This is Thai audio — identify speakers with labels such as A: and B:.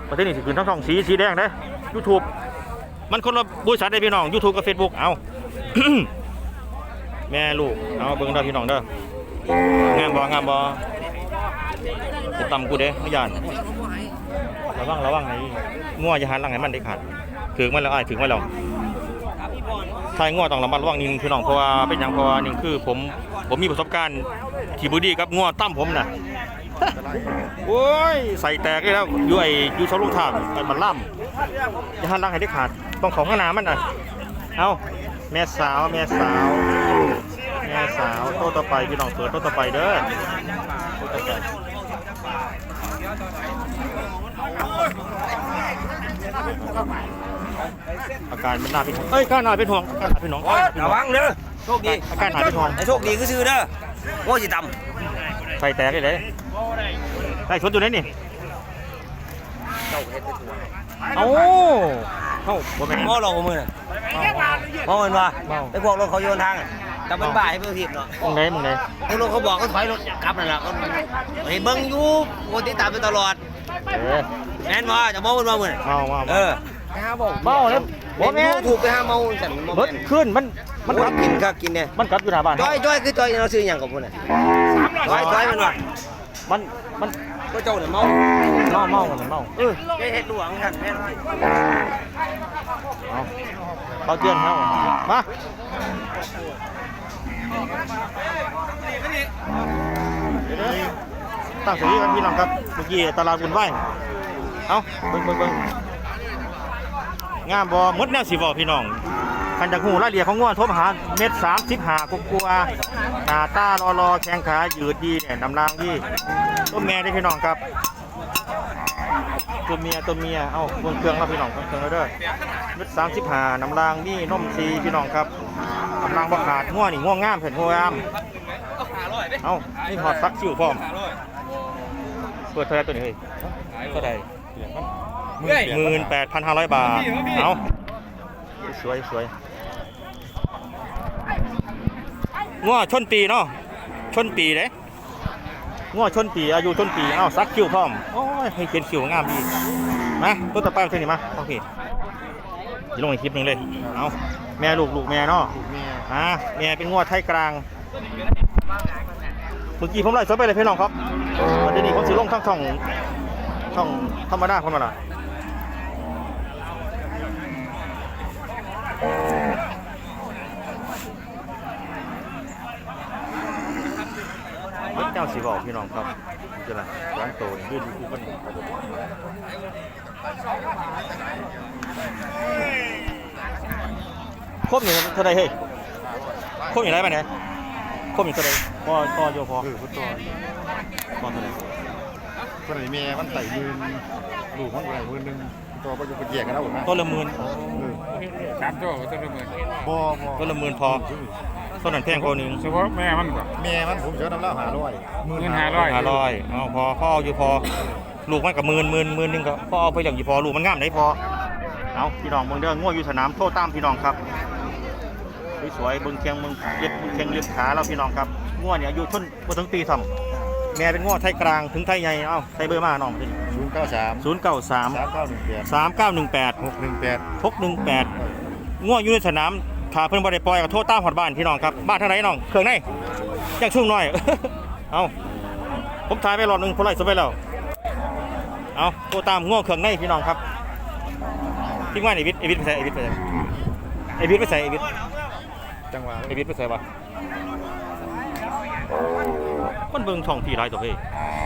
A: ประเทศนี้สิขึ้นทั้งช่องสีแดงเด้ YouTube มันคนละบริษัทได้พี่น้อง YouTube กับ Facebook เอา แม่ลูกเอาเบิ่งเด้อพี่น้องเด้องามบ่จะตำกูเด้ไม่ยานระวังไอ้งัวอย่าหันหลังให้มันได้ขาดถึงมันแล้วถึงมันแล้วทายงัวต้องระมัดระวังนิดนึงพี่น้องเพราะว่าเป็นอย่างเพราะว่านี่คือผมมีประสบการณ์ที่บ่ดีกับงัวตั้มผมน่ะ โอ้ยใส่แตกเลยแล้วอยู่เสาลูกทางมันล่ำอย่าหันหลังให้ได้ขาดต้องของข้างหน้ามันน่ะเอาแม่สาวโตต่อไปพี่น้องเปิดโตต่อไปเด้ออาการมันน่าเป็นห่วงการน่าเป็นห่วง
B: ระวังเด้อโชคดี
A: อาการน่าเป็นห่วง
B: ไอ้โชคดีคือซื้อเด้อโง่สิต่
A: ใส่แตกเลยได้ชนอยู่ไหนนี่เอาบ่แม่น
B: โง่ลงมือน่ะโง่เงินวะไอ้พวกรถเขาโยนทางแต่มันบ่ายเพื่อทิพย์เนาะ
A: มึงไหน
B: ไอ้รถเขาบอกเขาถอยรถกลับนั่นแหละไอ้เบิ้งอยู่โง่ติดตามไปตลอดแม่นว่าจะโง่มันมาเหมือน
A: เมา
B: แล้วบ่แม่ถูกไปห้าเมาฉัน
A: รถขึ้นมัน
B: กินก็กินเนี่ย
A: มันกลับอยู่หน้าบ้าน
B: จ้อยคือจ้อยเราซื้ออย่างกับพวกน่ะจ้อยมันว่า
A: มัน
B: ก็เจ้าเนี่ยเมาเฮ็ดหลวงกันแม่น้อย
A: เขาเตือนเขามาตั้งสติกันพี่น้องครับเมื่อกี้ตลาดบุญไหวเอาเบิ่งงามบ่มดแนวสิบ่พี่น้องคันจากหูรายละเอียดของงัวทบหาเม็ด35กลัวหน้าตารอแข้งขายืดดีเนี่ยนำรางดีต้นแม่ได้พี่น้องครับตัวเมียเอ้าเบิ่งเครื่องแล้วพี่น้องเครื่องแล้วเด้อเม็ด35น้ำรางนี่นมซีพี่น้องครับน้ำรางบ่ขาดงัวนี่งัวงามเห็นงัวงามเอ้านี่หอดซักชิวพร้อมเปิดเท่าไหร่ตัวนี้เท่าไหร่18,500 บาทเอาสวยงัวชนปีเนาะชนปีเด้งัวชนปีอายุชนปีเอ้าซักคิวพร้อมโอ้ยให้เขียนคิวงามดีมาตัวต่อไปเท่านี้มาโอเคจะลงอีกคลิปนึงเลยเอาแม่ลูกแม่เนาะแม่เป็นงัวไทยกลางเมื่อกี้ผมไล่สดไปเลยพี่น้องครับวันนี้ผมสิลงทั้งช่องธรรมดาคนมาละเจ้าสีบอกพี่น้องครับจะอะไรร้านโตยืนอยู่คู่กันครบหนึ่งเท่าไรเฮ้ยครบอย่างไรไปไหนครบอย่างเท่าไรพอโยพอพุทโตพอเท่าไร
C: คนไหนเมียมันไต่ยืนลูกมันไหลมือนึงตัวก็จะไปแยกกันแล้วนะ
A: ต้นละหมื่น
C: 3ตัวต้นละหมื่น
A: ต้นละหมื่นพอต้นนั้นแพงพอหนึ่ง
C: เฉพาะแม่มันผมเชื่อน้ำเล่า
A: 500เอาพออยู่พอลูกมันกับหมื่นนึงก็พอเอาไปอย่างอยู่พอลูกมันงามได้พอเอาพี่น้องเบิ่งเด้อง่วอยู่สนามโทษตามพี่น้องครับสวยๆเบิ่งแข้งเบิ่งเล็บขาเราพี่น้องครับง่วเนี่ยอายุชนบ่ถึงปีซ้ำแม่เป็นง่วไทยกลางถึงไทยใหญ่เอ้าใส่เบอร์มาน้อง093 3918 618ง่วอยู่ในสนามถ้าเพิ่นบ่ได้ปล่อยก็โทษตามฮอดบ้านพี่น้องครับบ้านทางไหนน้องเครื่องในจังชุ่มน้อย เอาผมถ่ายไปรอบนึงพอไล่สดไปแล้วเอาโทษตามง่วเครื่องในพี่น้องครับทิ้งไว้ไอ้วิทย์ไปใส่
C: จังหวะ
A: ไอ้วิทย์ไปใส่วะมันเบิ่งช่องพี่หลายตัวเฮ้ย